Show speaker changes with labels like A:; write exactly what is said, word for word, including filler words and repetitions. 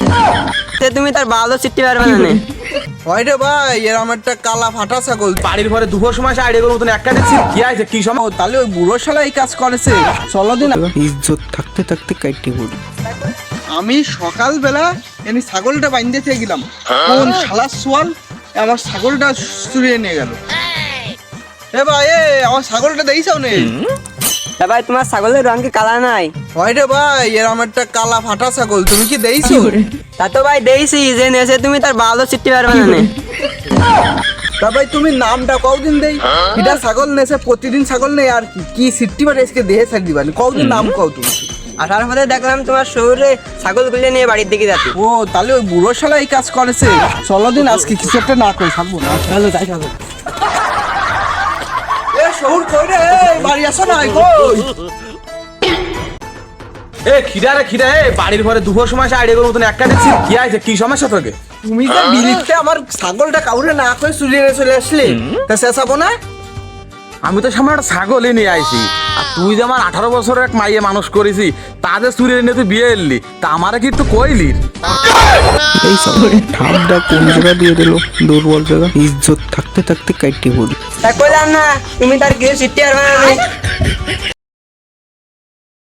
A: সে তুমি তার ভালো চিঠি পারবে না নে।
B: হয় রে ভাই, এরম একটা কালা ফাটা ছাগল।
C: বাড়ির ঘরে দুপুর সময় এসে আইডিয়া মতন একটা দিচ্ছি কি আছে কি সময়
B: ও, তাহলে ওই বুড়ো শালা এই কাজ করেছে। চলো দিন।
D: ইজ্জত থাকতে থাকতে কাইটি পড়ি।
B: আমি সকালবেলা এনে ছাগলটা বাইন্ধে গেলাম, কোন শালা সোয়াল আমার ছাগলটা চুরিয়ে নিয়ে গেল। এ ভাই, এ আমার ছাগলটা দেইছাও নে?
A: তা ভাই তোমার ছাগলের রং কি কালা নাই?
B: হয় রে ভাই, এরম একটা কালা ফাটা ছাগল, তুমি কি দেইছো?
A: তা তো ভাই দেইছি, যে নেছে তুমি তার ভালো চিঠি পারবে না নে।
B: তা ভাই তুমি নামটা কতদিন দেই? এটা ছাগল নেছে, প্রতিদিন ছাগল নেই আর কি কি সিট্টি বারে এসকে দেহে ছাড় দিবানি। কতদিন নাম কও তুমি?
A: আসার পথে দেখলাম তোমার শহরে ছাগল গুলিয়ে নিয়ে বাড়ির দিকে যাচ্ছে।
B: ও, তাহলে ওই বুড়ো শালা এই কাজ করেছে। চলো দিন, আজকে কিছু একটা না করে থাকবো না। চলো যাই থাকো। এ শহুর কই রে? এই, বাড়ি আসো না, কই?
C: এ খিদা রে খিদা, এ বাড়ির ঘরে দুপুর সময় এসে আইডিয়া মতন একটা দিচ্ছি কি আছে কি সমস্যা তোকে?
B: তুমি যে বিলিতে আমার ছাগলটা কাউরে না করে চুরিয়ে নিয়ে চলে আসলে, তা শেষাবো না?
C: আমি তো সামনে একটা ছাগলই নিয়ে আইছি, আর তুই যে আমার আঠারো বছরের এক মাইয়ে মানুষ করেছি তাদের চুরি নিয়ে তুই বিয়ে এলি, তা আমারে কি একটু কইলি?
D: এই সব ঠাপটা কোন জায়গা দিয়ে দিল, দুর্বল জায়গা। ইজ্জত থাকতে থাকতে কাইটি পড়ি।
A: তা কইলাম না তুমি তার কিছু চিঠি পারবে না নে।